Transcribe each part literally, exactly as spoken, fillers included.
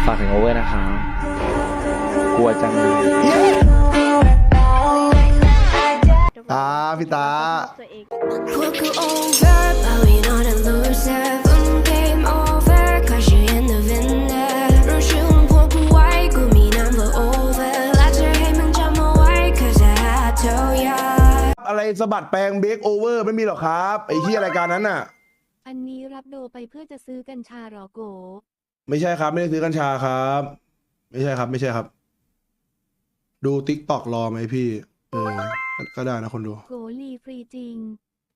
ฝากถึงโอเวอร์นะครับกลัวจังเลยตาพี่ตาอะไรสะบัดแปลงเบรกโอเวอร์ไม่มีหรอกครับไอ้ที่รายการนั้นน่ะอันนี้รับโดไปเพื่อจะซื้อกัญชาหรอโกไม่ใช่ครับไม่ได้ซื้อกัญชาครับ ไม่ใช่ครับไม่ใช่ครับ ดูติ๊กตอกรอไหมพี่เออก็ได้นะคนดูโกลีฟรีจริง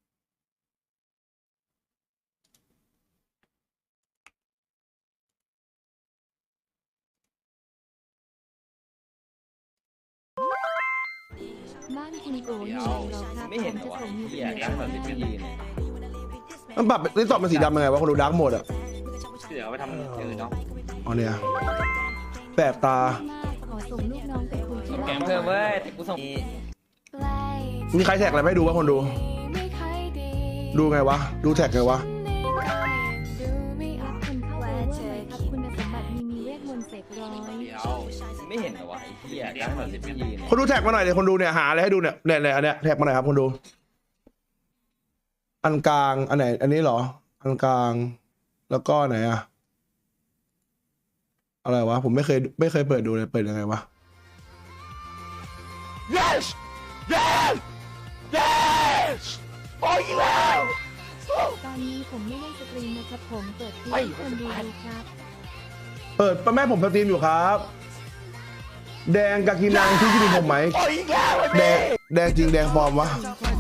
บ้านคุณโกอยู่หรอครับไม่เห็นจะส่งมีเดียร์แบบนี้ยืนมันปรับติ๊กตอกมันสีดำยังไงวะคนดูดาร์กโหมดอ่ะเดี๋ยวไปทำอื่นเนาะอ๋อเนี่ยแปลกตาขอส่งลูกน้องไปคุยที่แกงเพิ่มเว้ยแต่กูส่งมีใครแท็กอะไรไม่ดูวะคนดูดูไงวะดูแท็กไงวะไม่เห็นเหรอวะไอ้เหี้ยร้านแบบนี้ยืนคนดูแท็กมาหน่อยเดี๋ยวคนดูเนี่ยหาอะไรให้ดูเนี่ยเนี่ยเนี่ยอันเนี้ยแท็กมาหน่อยครับคนดูอันกลางอันไหนอันนี้เหรออันกลางแล้วก็ไหนอะอะไรวะผมไม่เคยไม่เคยเปิดดูเลยเปิดยังไงวะ yes yes yes โอ้ยแล้วตอนนี้ผมไม่ได้สตรีมนะครับผมเปิดคลิปคนดูครับเปิดป้าแม่ผมสตรีมอยู่ครับแดงกากินังที่คิดถึงผมไหมแดงแดงจริงแดงปลอมวะ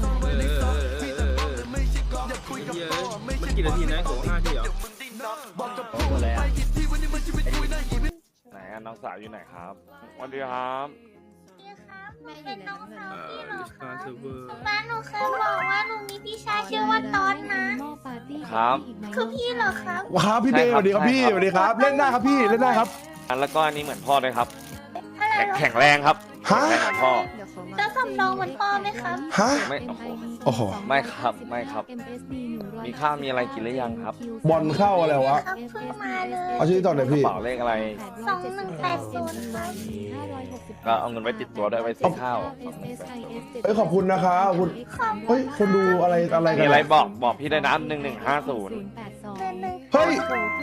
มันกี่นาทีนะโหห้าทีเหรอหมดแล้วไหนน้องสาวอยู่ไหนครับสวัสดีครับหนูเป็นน้องสาวพี่หรอคะป้าหนูเคยบอกว่าหนูมีพี่ชายชื่อว่าตอนนะครับคือพี่เหรอครับว้าวพี่เบย์สวัสดีครับพี่สวัสดีครับเล่นได้ครับพี่เล่นได้ครับแล้วก็อันนี้เหมือนพ่อเลยครับแข็งแรงครับฮะพ่อแล้วสำรองเหมือนพ่อไหมครับฮะไม่โอ้โหไม่ครับไม่ครับมีข้าวมีอะไรกินหรือยังครับบอลเข้าอะไรวะเพิ่งมาเลยเอาชื่อต่อหน่อยพี่เป๋าเลขอะไรสองหนึ่งแปดศูนย์ก็เอาเงินไว้ติดตัวด้วยไว้ซื้อข้าวเฮ้ยขอบคุณนะครับขอบคุณเฮ้ยคนดูอะไรอะไรกันมีอะไรบอกบอกพี่ได้นะหนึ่งหนึ่งห้าศูนย์เฮ้ย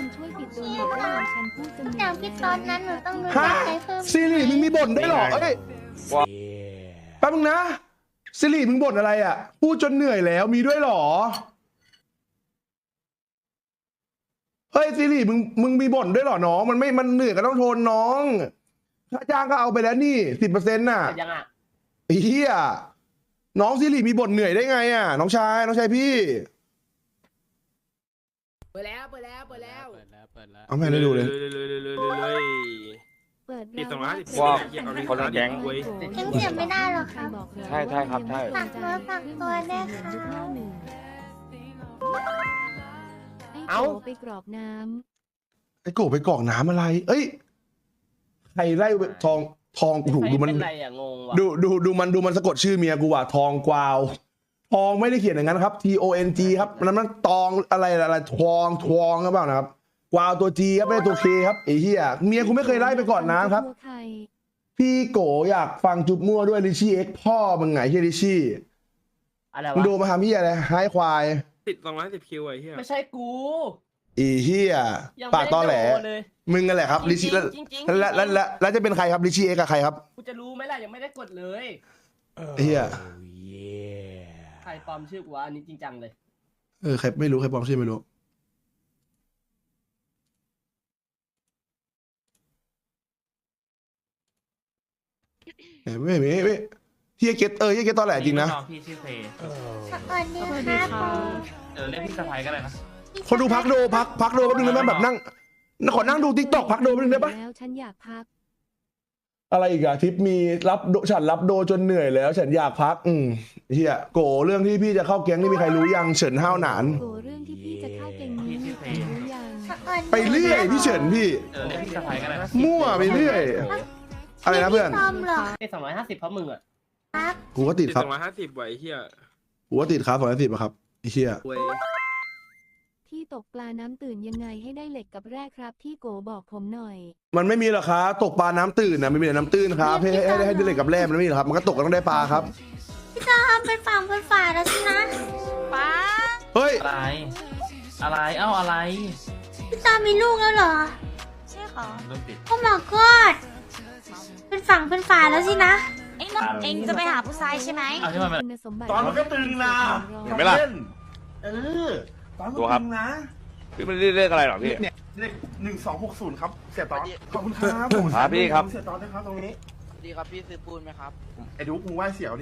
อย่างพี่ตอนนั้นหนูต้องดูใจเพิ่มซีรีส์มึงมีบ่นได้หรอเอ้ยแป๊บนึงนะซีรีส์มึงบ่นอะไรอ่ะพูดจนเหนื่อยแล้วมีด้วยหรอเฮ้ยซีรีส์มึงมึงมีบ่นด้วยหรอน้องมันไม่มันเหนื่อยก็ต้องทนน้องค่าจ้างก็เอาไปแล้วนี่สิบเปอร์เซ็นต์น่ะยังอ่ะเฮียน้องซีรีส์มีบ่นเหนื่อยได้ไงอ่ะน้องชายน้องชายพี่เปิดแล้วเปิดแล้วเปิดแล้วเปิดแล้วเปิดแล้วเอาแม่ได้ดูเลยเปิดปีสองร้อยสิบว่าคนละแก๊งยังเสียไม่ได้หรอครับใช่ใช่ครับใช่ฝากตัวฝากตัวได้ค่ะเอาไปกรอกน้ำไอ้โกไปกรอกน้ำอะไรเอ้ยใครไล่ทองทองกูดูมันดูดูดูมันดูมันสะกดชื่อเมียกูว่ะทองกวาวทองไม่ได้เขียนอย่างนั้นครับ T O N G ครับนั้นมันตองอะไรอะไรทองทองหรือเปล่านะครับกวาวตัว G ครับไม่ได้ตัว K ครับไอ้เหี้ยเมียกูไม่เคยไล่ไปก่อนน้ำครับพี่โกอยากฟังจุบมั่วด้วยลิชี่เอ็กพ่อมึงไงเฮียลิชี่อะไรวะดูมาทำเฮียอะไรให้ควายติดสองร้อยสิบคิวไอ้เฮียไม่ใช่กูอีเฮียปากตอแหลมึงกันแหละครับลิชี่แล้วแล้วแล้วแล้วจะเป็นใครครับลิชี่เอ็กกับใครครับกูจะรู้ไหมล่ะยังไม่ได้กดเลยเฮียใครปลอมชื่อกูวะอันนี้จริงจังเลยเออใครไม่รู้ใครปลอมชื่อไม่รู้ไม่ไม่ไม่เฮียเกตเออเฮียเกตตอนแหลจริงนะพี่ชื่อเฟย์สวัสดีครับเออเรียกพี่สะพายก็ได้นะคนดูพักดูพักพักดูแป๊บนึงได้ไหมแบบนั่งขอนั่งดูทิกตอกพักดูแป๊บนึงได้ปะแล้วฉันอยากพักอะไรอีกอะทิปมีรับฉันรับโดจนเหนื่อยแล้วฉันอยากพักอืมเฮียโกเรื่องที่พี่จะเข้าแก๊งนี่มีใครรู้ยังเฉินห้าวหนานโกเรื่องที่พี่จะเข้าแก๊งนี้รู้ยังไปเรื่อยพี่เฉินพี่เออเรียกพี่สะพายก็ได้นะมั่วไปเรื่อยอะไรนะเพื่อนสองร้อยห้าสิบเพราะมึงอ่ะกูก็ติดครับสองร้อยห้าสิบไหวเฮียกูก็ติดครับสองร้อยสิบอะครับไอ้เฮียที่ตกปลาน้ำตื่นยังไงให้ได้เหล็กกับแร่ครับที่โกบอกผมหน่อยมันไม่มีหรอกครับตกปลาน้ำตื่นนะไม่มีแต่น้ำตื้นครับให้ให้ให้ให้ได้เหล็กกับแร่มันไม่มีหรอกครับมันก็ตกก็ต้องได้ปลาครับพี่ตาทำเป็นฝั่งเป็นฝาแล้วสินะป้าเฮ้ยอะไร อะไร เอ้าอะไรพี่ตามีลูกแล้วเหรอใช่ค่ะเริ่มติดโอ้ my god เป็นฝั่งเป็นฝาแล้วสินะเอ็งเอ็งจะไปหาผู้ชายใช่ไหมเอาที่มันเป็นคุณสมบัติตอนมันก็ตึงนะเห็นไหมล่ะเออตอนมันดูครับตึงนะพี่ไม่ได้เรียกอะไรหรอกพี่เนี่ยเลขหนึ่งสองหกศูนย์ครับเสียตอนขอบคุณครับครับพี่ครับเสียตอนด้วยครับตรงนี้ดีครับพี่ซื้อปูนไหมครับไอ้ดุ๊กมึงไหว้เสี่ยวดิ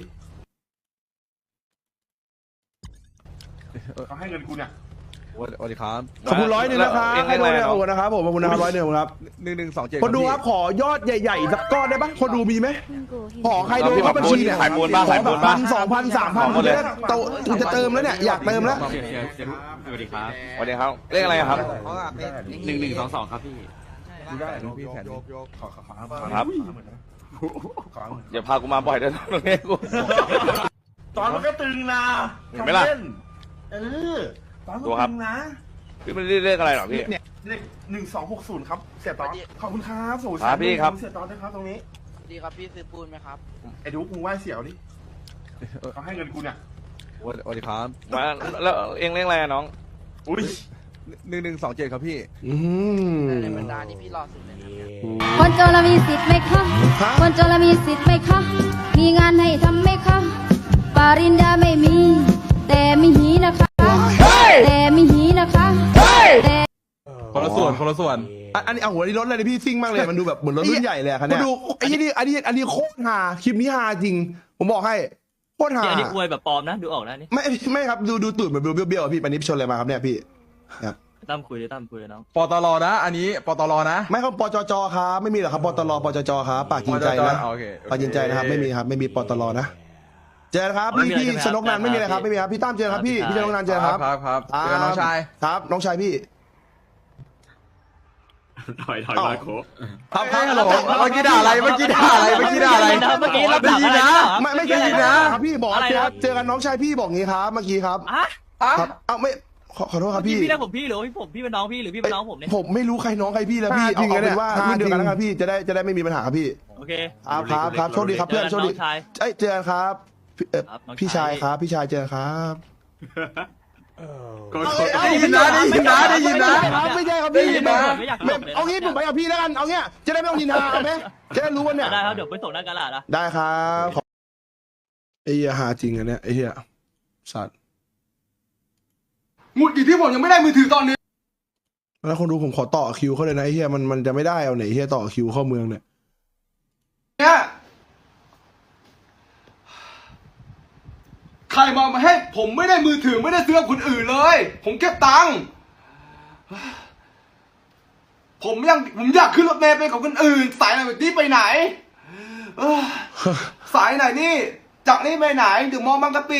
เขาให้เงินกูเนี่ยสวัสดีครับขอบคุณร้อยหนึ่งนะครับเองให้เรียกด้วยอะไรขอบคุณนะครับผมขอบคุณนะครับร้อยหนึ่งครับหนึ่งหนึ่งสองเจ็ดคนดูครับขอยอดใหญ่ๆสักก้อนได้ปะคนดูมีไหมคุณโกเห็นขอใครดูเข้าบัญชีเนี่ยขายปูนบ้างขอขายแบปูบนพับ้างนสองพันสามพันขอหมดเลยโตกูจะเติมแล้วเนี่ยอยากเติมแล้วสวัสดีครับสวัสดีครับเรียกอะไรครับหนึ่งหนึ่งสองสองครับพี่ดูได้น้องพี่แผนขอขอขอครับขออย่าพากูมาบ่อยเด้อตรงนี้กูตอนมันก็ตึงนะเห็นไหมล่ะทำนเออตอนมันดูก็ครับตึงนะพี่ไม่ได้เรียกอะไรหรอกพี่เนี่ยเลขหนึ่งสองหกศูนย์ครับเสียตอนขอบคุณครับสูครับพี่ครับเสียตอนด้วยครับตรงนี้ดีครับพี่ซื้อปูนไหมครับไอ้ดุ๊กมึงไหว้เสี่ยวดิเขาให้เงินกูเนี่ยสวัสดีครับมาแล้วเองเรียกอะไรอะน้องอุ้ยหนึ่งหนึ่งสองเจ็ดครับพี่อืมในบรรดานี่พี่รอสุดเลยนะคนจนเรามีสิทธิ์ไหมคะ คนจนเรามีสิทธิ์ไหมคะ มีงานให้ทำไหมคะ ปริญญาไม่มี แต่มีหีนะคะ แต่มีหีนะคะแต่คนละส่วนคนละส่วนอันอันนี้เอาหัวนี่รถอะไรนี่พี่ซิ่งมากเลยมันดูแบบเหมือนรถรุ่นใหญ่เลยอะคันเนี้ยดูไอ้นี่อันนี้อันนี้โคตรฮาคลิปนี้ฮาจริง ผมบอกให้โคตรฮาอันนี้อวยแบบปลอมนะ ดูออกนะนี่ไม่ไม่ครับดูดูตูดเหมือนเบี้ยวๆอะพี่ปันนี้ชนอะไรมาครับเนี่ยพี่ครับตั้มคุยเลยตั้มคุยเลยน้องปตรนะ อันนี้ปตรนะไม่ครับปจจครับไม่มีหรอกครับปตรปจจครับปากกินใจนะโอเคโอเคปากกินใจนะครับไม่มีครับไม่มีปตรนะเจอกันครับพี่พี่ชนกนันท์ไม่มีอะไรครับไม่มีครับพี่ตั้มเจอกันครับพี่พี่ชนกนันท์เจอกันครับครับครับเจอกันน้องชายครับน้องชายพี่ถอยถอยมาโคครับครับฮัลโหลเมื่อกี้ด่าอะไรเมื่อกี้ด่าอะไรเมื่อกี้ด่าอะไรเมื่อกี้เราได้ยินนะไม่ไม่ใช่นะครับพี่บอกเจอเจอกันน้องชายพี่บอกงี้ครับเมื่อกี้ครับอ่ะครับเอ้าไม่ขอขอโทษครับพี่พี่พี่เรียกผมพี่หรือว่าพี่ผมพี่เป็นน้องพี่หรือพี่เป็นน้องผมเนี่ยผมไม่รู้ใครน้องใครพี่แล้วพี่เอาเป็นว่ารุ่นเดียวกันนะครับพี่จะได้จะได้ไม่มีปัญหาครับพี่โอเคครับครับครับโชคดีครับเพื่อนโชคดีน้องชายเอ้ยเจอกันครับพี่เอ่อครับน้องชายพี่ชายครับพี่ชายเจอกันครับได้ยินนะได้ยินนะได้ยินนะไม่ใช่ครับได้พี่ยินนะไม่อยากไม่จบเลยเอางี้ผมไปกับพี่แล้วกันเอาเงี้ยจะได้ไม่ต้องนินทาเอาไหมจะได้รู้วันเนี่ยได้ครับเดี๋ยวไปส่งหน้ากระดาษนะได้ครับขอไอ้เหี้ยหาจริงอันเนี้ยไอ้เหี้ยสัตว์หงุดหงิดที่ผมยังไม่ได้มือถือตอนนี้แล้วคนดูผมขอต่อคิวเขาเลยนะไอ้เหี้ยมันมันจะไม่ได้เอาไหนไอ้เหี้ยต่อคิวเข้าเมืองเนี่ยเนี่ยใครมามาให้ผมไม่ได้มือถือไม่ได้ซื้อกับคนอื่นเลย ผมเก็บตังค์ผมยังผมอยากขึ้นรถเมล์ไปกับคนอื่น สายไหนแบบนี้ไปไหนเอ้อสายไหนนี่จากนี่ไปไหนถึงมองบางกะปิ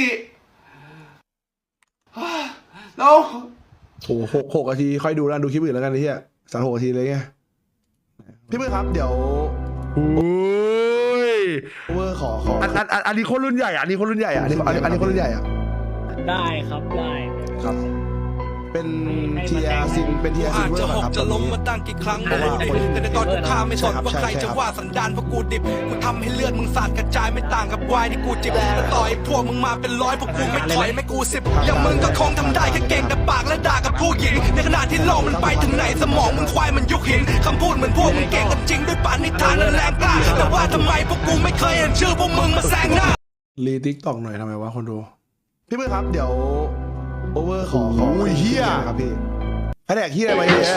แล้วโอ้โหหกหกนาทีค่อยดูแล้วดูคลิปอื่นแล้วกันไอ้เหี้ยสามหกนาทีเลยไงพี่มือครับเดี๋ยวโอ้ยเวอร์ขอขออันอันอันอันนี้คนรุ่นใหญ่อะอันนี้คนรุ่นใหญ่อะอันนี้อันนี้อันนี้คนรุ่นใหญ่อะได้ครับได้ครับ เป็นเทียซินเป็นเทียซินเวอร์ครับจะล้มมาตั้งกี่ครั้งแต่ในตอนกูฆ่าไม่สนว่าใครจะว่าสันดานเพราะกูดิบกูทำให้เลือดมึงสาดกระจายไม่ต่างกับวายที่กูจิบแล้วต่อยพวกมึงมาเป็นร้อยพวกกูไม่ถอยไม่กูสิบอย่างมึงก็คงทำได้แค่เก่งแต่ปากและด่ากับผู้หญิงในขณะที่โลกมันไปถึงไหนสมองมึงควายมันยุคหินคำพูดเหมือนพวกมึงเก่งกันจริงด้วยปานนิทานและแรงกล้าแต่ว่าทำไมพวกกูไม่เคยเห็นชื่อพวกมึงมาแซงหน้ารีทิกตอกหน่อยทำไมวะคนดูพี่มือครับเดี๋ยวโอเวอร์ขอขอเฮียครับพี่แผนกเฮียอะไรเนี่ย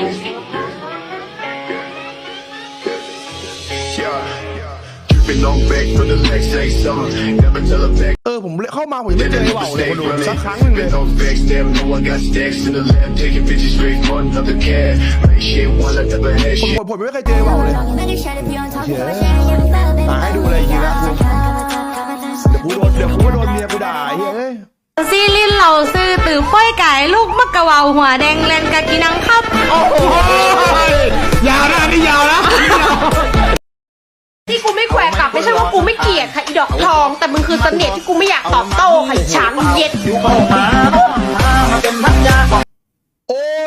เออผมเข้ามาผมยังไม่เจอไอ้ว่าวเลยคนดูสักครั้งหนึงเลยผมผมไม่เคยเจอไอ้ว่าวเลยหาให้ดูเลยจริงๆนะเดี๋ยวกูโดนเดี๋ยวกูโดนเมียกูด่าเฮ้ยซีลินเหล่าซื้อตื่อฝ้อยไก่ลูกมะกะวาวหัวแดงเลนกะกินังครับโอ้โหยาวนะนี่ยาวนะที่กูไม่แขวะกลับไม่ใช่ว่ากูไม่เกลียดค่ะอีดอกทองแต่มึงคือเสน่ห์ที่กูไม่อยากตอบโต้ค่ะอีช้างเย็ด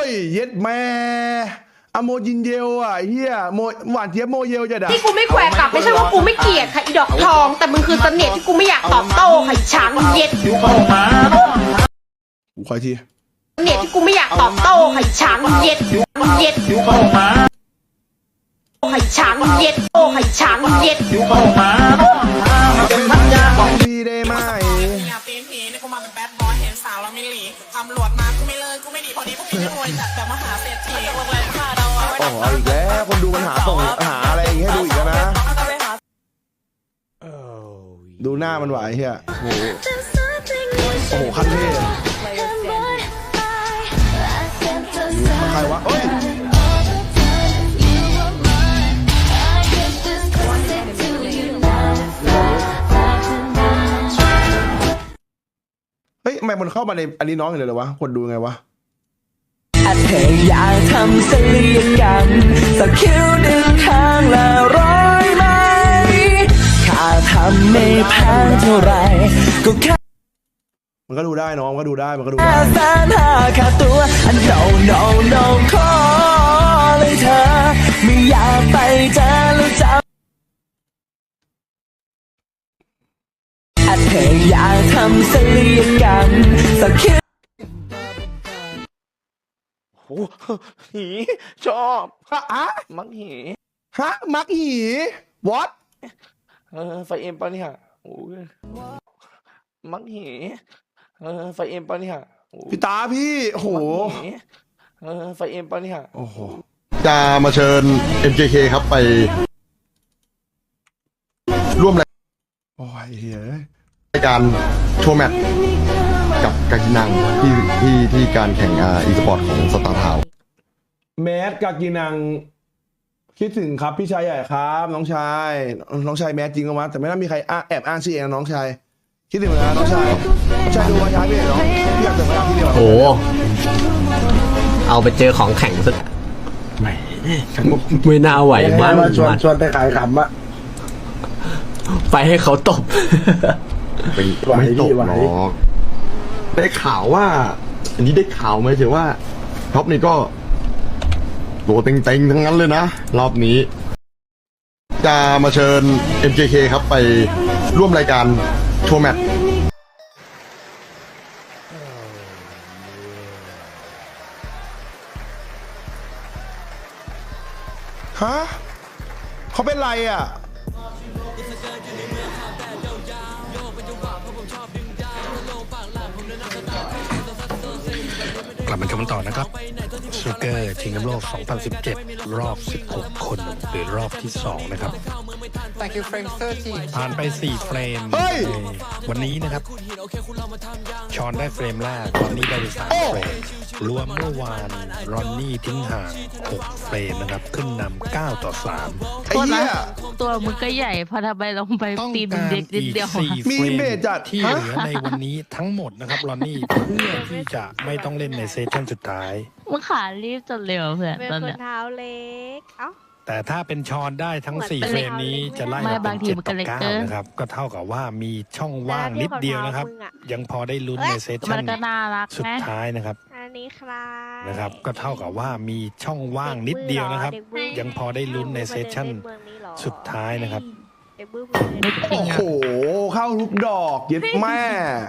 เย็ดแม่อะโมจินเยลอ่ะเฮียโมหวานเจี๊ยบโมเยลจะด่าที่กูไม่แขวะกลับไม่ใช่ว่ากูไม่เกลียดค่ะอีดอกทองแต่มึงคือเสน่ห์ที่กูไม่อยากตอบโต้ค่ะอีช้างเย็ดกูขออีกทีเสน่ห์ที่กูไม่อยากตอบโต้ค่ะอีช้างเย็ดเย็ดไข่ช้างเย็ดโอ้ไข่ช้างเย็ดบอกพี่ได้ไหมโอ้โหเอาอีกแล้วคนดูมันหาส่งหาอะไรอย่างงี้ให้ดูอีกแล้วนะดูหน้ามันไหวเฮียโอ้โหโอ้โหขั้นเทพใครวะเอ้ยเฮ้ยทำไมมันเข้ามาในอันนี้น้องอย่างเดียวเลยวะคนดูไงวะเธออยากทำศัลยกรรมสักคิ้วดึงข้างละร้อยไหมค่าทำไม่แพงเท่าไรก็แค่มันก็ดูได้น้องก็ดูได้มันก็ดูได้แสนห้าค่าตัว no no no ขอเลยเธอไม่อยากไปเจอแล้วจำเธออยากทำศัลยกรรมสักคิ้วโอ้หีชอบฮะอะมักหีฮะมักหี what เออไฟเอ็มปะเนี่ยโอ้ยมักหีเออไฟเอ็มปะเนี่ยพี่ตาพี่โอ้โหเออไฟเอ็มปะเนี่ยโอ้โหจะมาเชิญ เอ็ม เค เค ครับไปร่วมรายโอ้ยเฮ้ยรายการโชว์แมตช์กับกากินังที่ที่ที่การแข่งอีสปอร์ตของสตาร์ทาวน์แมสกากินังคิดถึงครับพี่ชายใหญ่ครับน้องชายน้องชายแมสจริงมั้ยแต่ไม่น่ามีใครแอบอ้างชื่อเองนะน้องชายคิดถึงนะน้องชายน้องชายดูวันย้ายพี่เหรอพี่อยากเจอมาที่เดียวโอ้เอาไปเจอของแข่งสุดไม่ไม่น่าไหวมากชวนชวนไปขายขำอะไปให้เขาตบไม่ตกหรอกได้ข่าวว่าอันนี้ได้ข่าวไหมเชื่อว่าท็อปนี่ก็ตัวเต็งๆทั้งนั้นเลยนะรอบนี้จะมาเชิญ เอ็ม เค เค ครับไปร่วมรายการโชว์แมตช์ฮะเขาเป็นไรอ่ะกลับมาชมต่อนะครับสนุกเกอร์ชิงแชมป์โลก สองพันสิบเจ็ด รอบ สิบหก คนหรือรอบที่ สอง นะครับผ่านไป สี่ เฟรมวันนี้นะครับชอนได้เฟรมแรกรอนนี่ได้ไปสามเฟรมรวมเมื่อวานรอนนี่ทิ้งห่างหกเฟรมนะครับขึ้นนำเก้าต่อสามไอ้เหี้ยตัวมึงก็ใหญ่พอทำไมลงไปตีนเด็กนิดเดียวมีเบสจัดที่เหลือในวันนี้ทั้งหมดนะครับรอนนี่เพื่อที่จะไม่ต้องเล่นในเซสชั่นสุดท้ายมึงขารีบจนเร็วเพื่อนเป็นคนเท้าเล็กเอ้าแต่ถ้าเป็นชอนได้ทั้งสี่เฟรมนี้จะไล่มาเป็นเจ็ดต่อเก้านะครับก็เท่ากับว่ามีช่องว่างนิดเดียวนะครับยังพอได้ลุ้นในเซสชั่นสุดท้ายนะครับอันนี้ครับนะครับก็เท่ากับว่ามีช่องว่างนิดเดียวนะครับยังพอได้ลุ้นในเซสชั่นสุดท้ายนะครับโอ้โหเข้าทุกดอกเย็ดแม่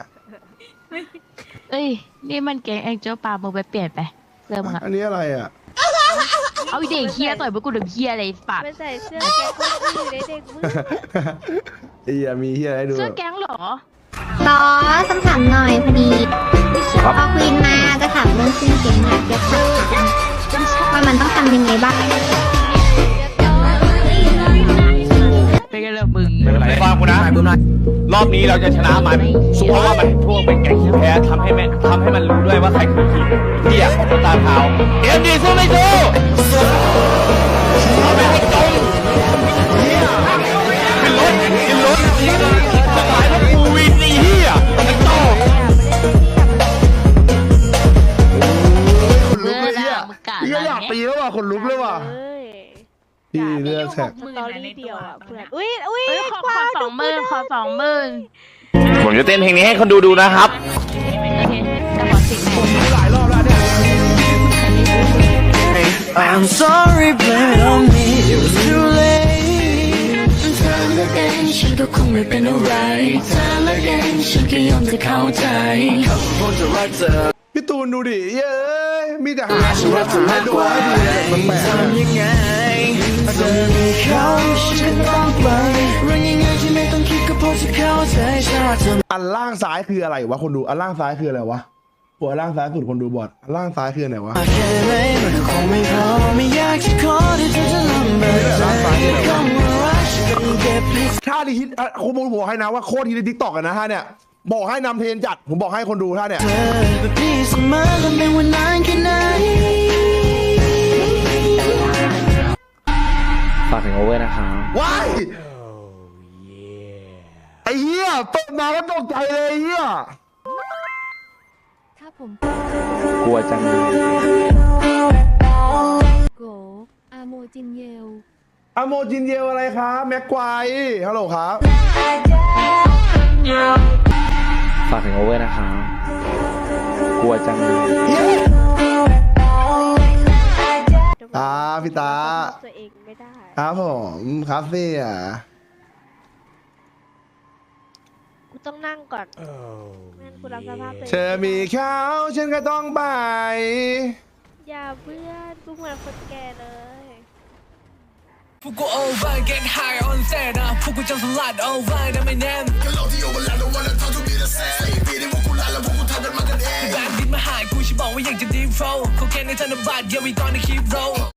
เอ้ยนี่มันเก่งเอ็งเจ้าปลามึงไปเปลี่ยนไปเสื้อมึงอะอันนี้อะไรอ่ะเอาเด็กเฮียต่อยพวกกูเด็กเฮียอะไรปากไม่ใส่เสื้อแก๊งก็อยู่ในเด็กมึงไอ้เหี้ยมีเฮียอะไรดูเสื้อแก๊งเหรอต่อคำถามหน่อยพอดีพอคุยมาจะถามเรื่องชื่อเก่งอยากจะถามว่ามันต้องทำยังไงบ้างเป็นไงล่ะมึงฟังกูนะรอบนี้เราจะชนะมันเพราะว่ามันพวกเป็นแก๊งที่แพ้ทำให้แม่ทำให้มันรู้ด้วยว่าใครคือทีมเที่ยของตาเท้าเอ็มดีสู้ไม่สู้เอาไปให้ตรงขึ้นรถขึ้นรถจะตายเพราะกูวินนี่เฮียไอ้โต้คนลุกเลยเนี่ยพี่ก็อยากตีแล้วว่ะคนลุกเลยว่ะพี่เลือกแท็กสตอรี่เดียวอ่ะเพื่อนอุ้ยอุ้ยขอสองหมื่นขอสองหมื่นผมจะเต้นเพลงนี้ให้คนดูดูนะครับโอเคจะขอสิบหลายรอบแล้วเนี่ย I'm sorry but on me it was too late เธอละกันฉันก็คงไม่เป็นอะไรเธอละกันฉันก็ยอมจะเข้าใจเขาคงจะรักเธอพี่ตูนดูดิเย้ยมีแต่หาสุรัตน์ให้ดูให้ดูมันแปลกทำยังไงจะมีเขาฉันก็ต้องไปเรื่องยังไงที่ไม่ต้องคิดก็พอจะเข้าใจฉันรักเธออันล่างซ้ายคืออะไรวะคนดูอันล่างซ้ายคืออะไรวะหัวล่างซ้ายสุดคนดูบอดอันล่างซ้ายคือไหนวะแค่ไหนมันก็คงไม่พอไม่อยากจะขอที่เธอจะลำบากใจก็มารักฉันเก็บให้ท่าที่ฮิตอ่ะคุณผมบอกให้นะว่าโคตรฮิตในทิกตอกกันนะฮะเนี่ยบอกให้นำเทรนจัดผมบอกให้คนดูท่าเนี่ยเธอแบบนี้เสมอกันเป็นวันนานแค่ไหนฝากถึงโอเวอร์นะครับว้ายไอ้เหี้ยเปิดมาก็ตกใจเลยไอ้เหี้ยถ้าผมกลัวจังเลยโกอาโมจินเยลอะโมจินเยลอะไรครับแม็กไกวฮัลโหลครับฝากถึงโอเวอร์นะครับกลัวจังเลยตาพี่ตาตัวเองไม่ได้ครับผมครับเสียกูต้องนั่งก่อนไม่งั้นกูรับสภาพตัวเองเธอมีเขาฉันก็ต้องไปอย่าเพื่อนกูเหมือนคนแก่เลยพวกกู over get high on set นะพวกกูจะสลัด over นะไม่แน่นก็เราที่ over แล้ว don't wanna talk to me the same ปีนี้พวกกูลาแล้วพวกกูทำกันมากันเองแบนดินมาหายกูฉันบอกว่าอยากจะ deep flow เขาแค่ในธนบัตร yeah we gonna keep roll